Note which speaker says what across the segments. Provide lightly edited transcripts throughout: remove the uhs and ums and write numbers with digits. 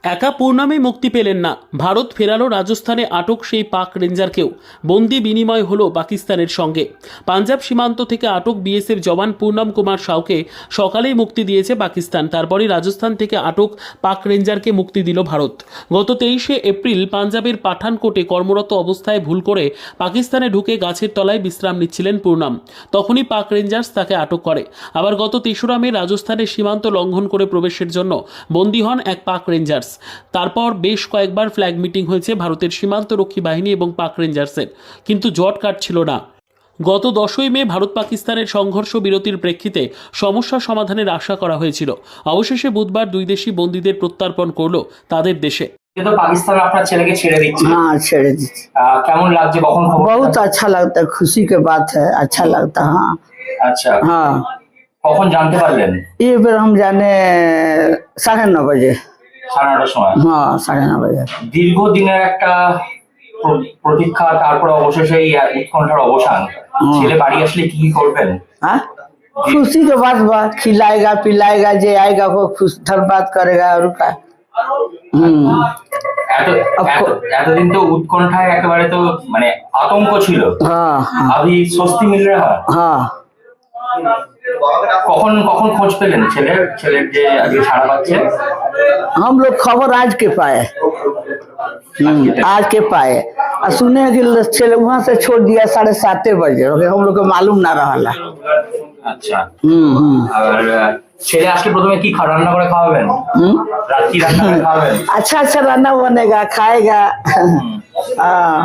Speaker 1: একা পূর্ণামে মুক্তি পেলেন না, ভারত ফেরালো রাজস্থানে আটক সেই পাক রেঞ্জারকেও। বন্দি বিনিময় হলো পাকিস্তানের সঙ্গে। পাঞ্জাব সীমান্ত থেকে আটক বিএসএফ জওয়ান পূর্ণাম কুমার সাউকে সকালেই মুক্তি দিয়েছে পাকিস্তান। তারপরই রাজস্থান থেকে আটক পাক রেঞ্জারকে মুক্তি দিল ভারত। গত 23শে এপ্রিল পাঞ্জাবের পাঠানকোটে কর্মরত অবস্থায় ভুল করে পাকিস্তানে ঢুকে গাছের তলায় বিশ্রাম নিচ্ছিলেন পূর্ণাম। তখনই পাক রেঞ্জার্স তাকে আটক করে। আবার গত 3রা মে রাজস্থানের সীমান্ত লঙ্ঘন করে প্রবেশের জন্য বন্দী হন এক পাক রেঞ্জার্স। তারপর বেশ কয়েকবার ফ্ল্যাগ মিটিং হয়েছে ভারতের সীমান্তরক্ষী বাহিনী এবং পাক রেঞ্জার্সের, কিন্তু জট কাটছিল না। গত 10ই মে ভারত পাকিস্তানের সংঘর্ষ বিরতির প্রেক্ষিতে সমস্যা সমাধানের আশা করা হয়েছিল। অবশেষে বুধবার দুই দেশই বন্দীদের প্রত্যর্পণ করলো তাদের দেশে।
Speaker 2: तो पाकिस्तान अपना चले के छेड़े दीजिए।
Speaker 3: हाँ छेड़े दीजिए।
Speaker 2: केमन लागছে কখন খবর?
Speaker 3: बहुत अच्छा लगता है, खुशी के बात है, अच्छा लगता है। हाँ
Speaker 2: अच्छा
Speaker 3: हाँ।
Speaker 2: কখন জানতে পারলেন?
Speaker 3: ये बेर हम जाने 9:30 बजे।
Speaker 2: 9:30 সময়।
Speaker 3: हाँ 9:30 बजे।
Speaker 2: দীর্ঘদিনের একটা প্রতীক্ষা, তারপর অবশেষে এই উৎকণ্ঠার অবসান। ছেলে বাড়ি আসলে কি করবেন?
Speaker 3: हाँ खुशी के बात बा, खिलाएगा पिलाएगा, जे आएगा वो खुश धन्यवाद करेगा और का।
Speaker 2: এতদিন তো উৎকণ্ঠায় একেবারে তো মানে আতঙ্ক ছিল।
Speaker 3: हाँ
Speaker 2: अभी স্বস্তি মিল रहा है।
Speaker 3: हाँ।
Speaker 2: কখন কখন খোঁজ পেলেন ছেলের যে আজকে ছাড়া পাচ্ছে?
Speaker 3: हम लोग खबर आज के पाए, आज के पाए और सुने कि चले वहाँ से छोड़ दिया 7:30 बजे। हम लोग को मालूम ना रहा।
Speaker 2: আচ্ছা আর ছেলে আসলে প্রথমে কি রান্না করে খাওয়াবেন? রাত কি রান্না করে খাওয়াবেন?
Speaker 3: अच्छा अच्छा रान्ना बनेगा, खाएगा। हाँ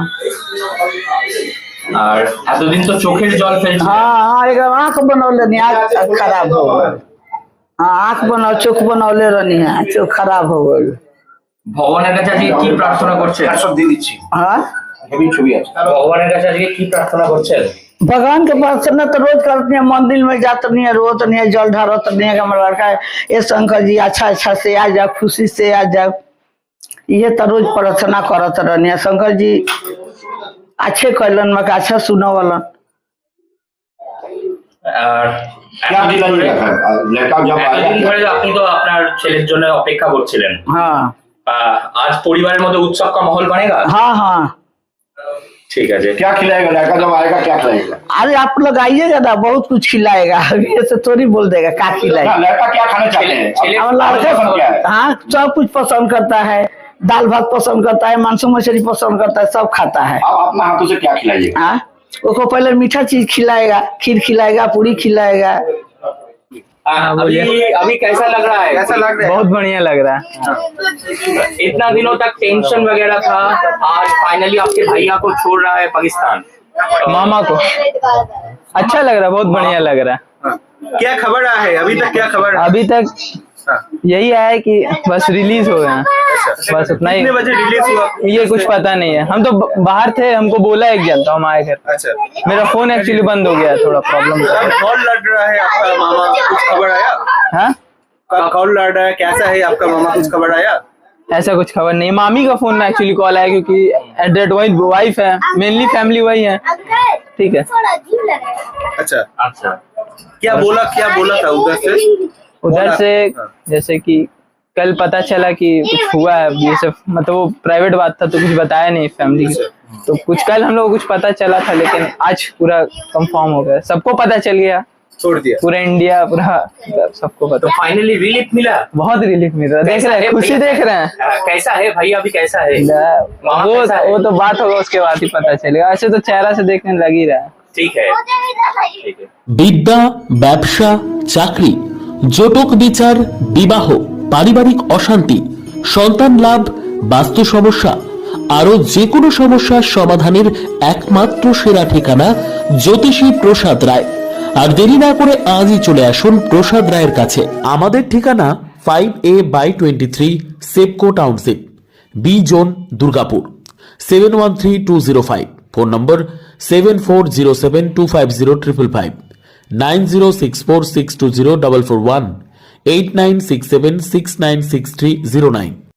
Speaker 2: আর এতদিন তো চোখের জল ফেলছে।
Speaker 3: हाँ हाँ एकदम आँख बनौले नहीं, आँख खराब हो गई। हाँ आँख बनाओ, चोख बनौले रहनी है, चोख खराब हो गई।
Speaker 2: ভগবানের কাছে আজকে কি প্রার্থনা করছেন? সব দিয়ে দিচ্ছি।
Speaker 3: हाँ
Speaker 2: হেভি ছবি আছে। ভগবানের কাছে আজকে কি প্রার্থনা করছেন?
Speaker 3: भगवान के प्रार्थना तो रोज करती है, मंदिर में जाते नहीं है, रोत नहीं है, जल ढारत नहीं है। हमारा लड़का ये शंकर जी अच्छा अच्छा से आ जाओ, खुशी से आ जाओ, ये तो रोज प्रार्थना करत रहनी है। शंकर जी अच्छे कैलन में अच्छा सुनो वालन।
Speaker 2: এতদিন ধরে আপনি তো আপনার ছেলের জন্য অপেক্ষা করছিলেন।
Speaker 3: हाँ
Speaker 2: आज परिवार मध्य उत्सव का माहौल बनेगा?
Speaker 3: हाँ हाँ
Speaker 2: ठीक है जी।
Speaker 4: क्या खिलाएगा लड़का जब आएगा, क्या खिलाएगा?
Speaker 3: अरे आप लोग आइएगा ना, बहुत कुछ खिलाएगा। अभी ऐसे थोड़ी बोल देगा क्या खिलाएगा।
Speaker 4: लड़का क्या खाना चाहते हैं?
Speaker 3: और लड़का हाँ सब कुछ पसंद करता है, दाल भात पसंद करता है, मांस मछली पसंद करता है, सब खाता है।
Speaker 4: आप अपना हाथों से क्या खिलाइएगा?
Speaker 3: हाँ उसको पहले मीठा चीज खिलाएगा, खीर खिलाएगा, पूरी खिलाएगा।
Speaker 2: अभी कैसा लग रहा है? कैसा लग रहा है?
Speaker 5: बहुत बढ़िया लग रहा है।
Speaker 2: इतना दिनों तक टेंशन वगैरह था, आज फाइनली आपके भैया को छोड़ रहा है पाकिस्तान,
Speaker 5: मामा को अच्छा लग रहा है, बहुत बढ़िया लग रहा है।
Speaker 6: क्या खबर आया है अभी तक? क्या खबर?
Speaker 5: अभी तक यही आया है कि बस रिलीज हो गया, बस उतना ही।
Speaker 6: कितने बजे रिलीज हुआ?
Speaker 5: ये कुछ पता नहीं है, हम तो बाहर थे, हमको बोला एक जन तो हम आए घर।
Speaker 6: अच्छा
Speaker 5: मेरा फोन एक्चुअली बंद हो गया, थोड़ा प्रॉब्लम था।
Speaker 6: कॉल लड़ रहा है आपका मामा, कुछ खबर आया?
Speaker 5: हाँ
Speaker 6: कॉल लड़ रहा है, कैसा है आपका मामा, कुछ खबर आया?
Speaker 5: ऐसा कुछ खबर नहीं। मामी का फोन में एक्चुअली कॉल आया, क्योंकि एड्रेट वही वाइफ है, मेनली फैमिली वही है। ठीक है
Speaker 6: अच्छा अच्छा क्या बोला था उधर से?
Speaker 5: जैसे कि कल पता चला कि कुछ हुआ है, ये सब मतलब वो प्राइवेट बात था तो कुछ बताया नहीं फैमिली की। तो कुछ कल हम लोग को कुछ पता चला था, लेकिन आज पूरा कंफर्म हो गया, सबको पता चल गया,
Speaker 6: छोड़ दिया
Speaker 5: पूरा इंडिया पूरा सबको पता।
Speaker 2: तो फाइनली रिलीफ मिला?
Speaker 5: बहुत रिलीफ मिल रहा है, देख रहे हैं, खुशी देख रहे हैं।
Speaker 2: कैसा है भैया, अभी कैसा है?
Speaker 5: वो तो बात होगा उसके बाद ही पता चलेगा, ऐसे तो चेहरा से देखने लग ही रहा है।
Speaker 2: ठीक है ठीक है।
Speaker 1: বিদ্যা, ব্যবসা, চাকরি, জটক বিচার, বিবাহ, পারিবারিক অশান্তি, সন্তান লাভ, বাস্তু সমস্যা, আরো যে কোনো সমস্যার সমাধানের একমাত্র সেরা ঠিকানা জ্যোতিষী প্রসাদ রায়। আর দেরি না করে আজই চলে আসুন প্রসাদ রায়ের কাছে। আমাদের ঠিকানা 5A/23 Sepco township, B zone, Durgapur, 713205। Phone number 7407250555, 9064620441, 8967696309।